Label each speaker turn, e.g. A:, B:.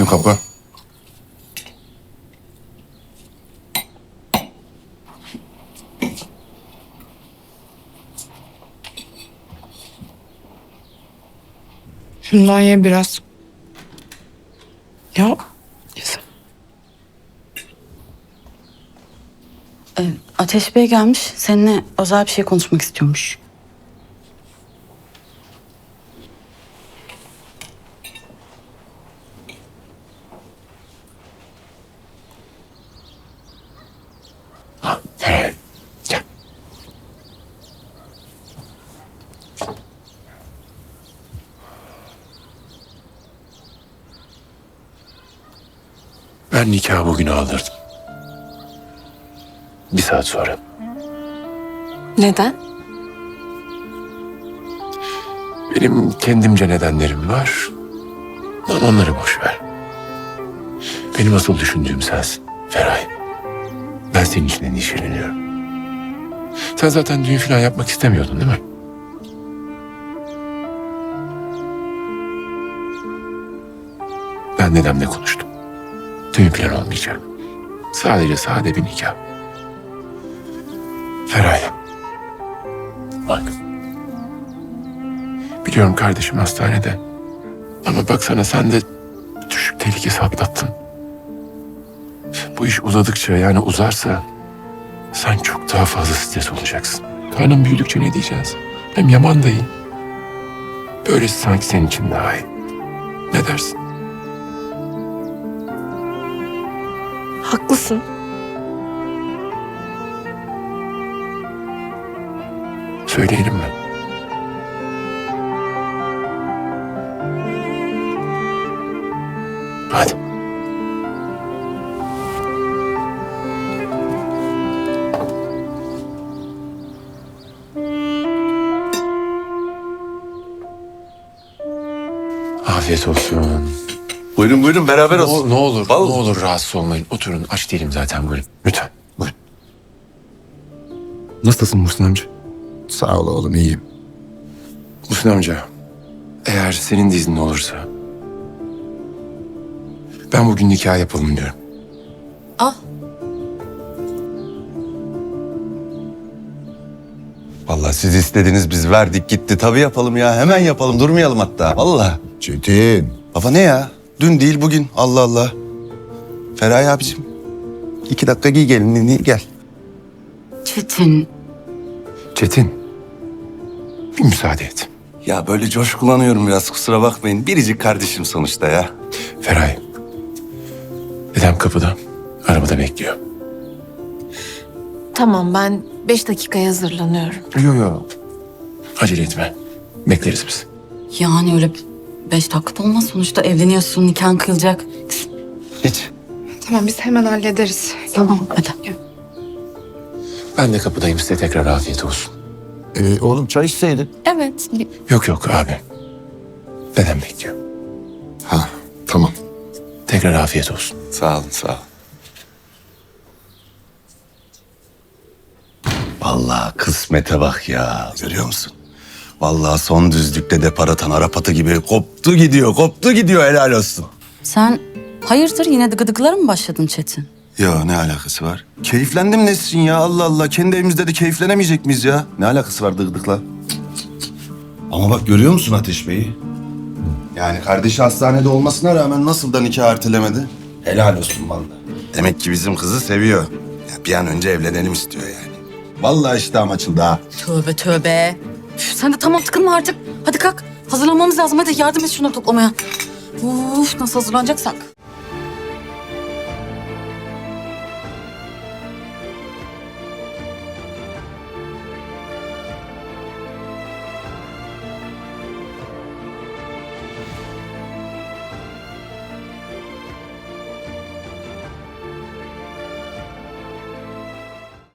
A: Bütün kapı.
B: Şundan ye biraz. Ya. Güzel.
C: Ateş Bey gelmiş. Seninle özel bir şey konuşmak istiyormuş.
A: Gel. Ben nikahı bugün aldırdım. 1 saat sonra.
B: Neden?
A: Benim kendimce nedenlerim var. Ama onları boş ver. Benim asıl düşündüğüm sensin Feray. Ben senin için endişeleniyorum. Sen zaten düğün falan yapmak istemiyordun değil mi? Ben dedemle konuştum. Düğün falan olmayacak. Sadece sade bir nikah. Feray. Bak. Biliyorum kardeşim hastanede. Ama baksana sen de düşük tehlikesi atlattın. Bu iş uzadıkça yani uzarsa sen çok daha fazla stres olacaksın. Karnın büyüdükçe ne diyeceğiz? Hem Yaman da iyi. Böylesi sanki senin için daha iyi. Ne dersin?
B: Haklısın.
A: Söyleyelim mi? Hadi. Afiyet olsun.
D: Buyurun buyurun beraber olsun.
A: Ne olur,
D: Vallahi.
A: ne olur rahatsız olmayın. Oturun, aç değilim zaten buyurun. Lütfen, buyurun. Nasılsın Muhsin amca?
D: Sağ ol oğlum iyiyim.
A: Muhsin amca, eğer senin de iznin olursa... ben bugün nikah yapalım diyorum.
D: Vallahi siz istediniz biz verdik gitti. Tabii yapalım ya hemen yapalım durmayalım hatta. Vallahi.
E: Çetin.
D: Baba ne ya? Dün değil bugün. Allah Allah. Feraye abicim. 2 dakika giy gelinliğini gel.
C: Çetin.
A: Çetin, bir müsaade et.
D: Ya böyle coşkulanıyorum biraz kusura bakmayın. Biricik kardeşim sonuçta ya.
A: Feray, dedem kapıda, arabada bekliyor.
B: Tamam, ben 5 dakikaya hazırlanıyorum.
A: Yok. Acele etme. Bekleriz biz.
C: Yani öyle 5 dakikada olmaz. Sonuçta evleniyorsun, nikahın kıyılacak.
D: Hiç.
B: Tamam, biz hemen hallederiz.
C: Tamam, hadi.
A: Ben de kapıdayım. Size tekrar afiyet olsun.
E: Oğlum çay içseydin.
B: Evet.
A: Yok abi. Dedem bekliyor.
E: Ha tamam.
A: Tekrar afiyet olsun.
D: Sağ olun sağ ol. Vallahi kısmete bak ya. Görüyor musun? Vallahi son düzlükte depar atan Arap atı gibi koptu gidiyor helal olsun.
C: Sen hayırdır yine de gıdıklara mı başladın Çetin?
D: Ya ne alakası var? Keyiflendim Nesrin ya Allah Allah. Kendi evimizde de keyiflenemeyecek miyiz ya? Ne alakası var dıgdıkla? Ama bak görüyor musun Ateş Bey'i? Yani kardeşi hastanede olmasına rağmen nasıl da nikah ertelemedi? Helal olsun vallahi. Demek ki bizim kızı seviyor. Ya bir an önce evlenelim istiyor yani. Vallahi iştahım açıldı ha.
C: Tövbe. Üf, sen de tamam tıkınma artık. Hadi kalk. Hazırlanmamız lazım. Hadi yardım et şunları toplamaya. Uf, nasıl hazırlanacaksak.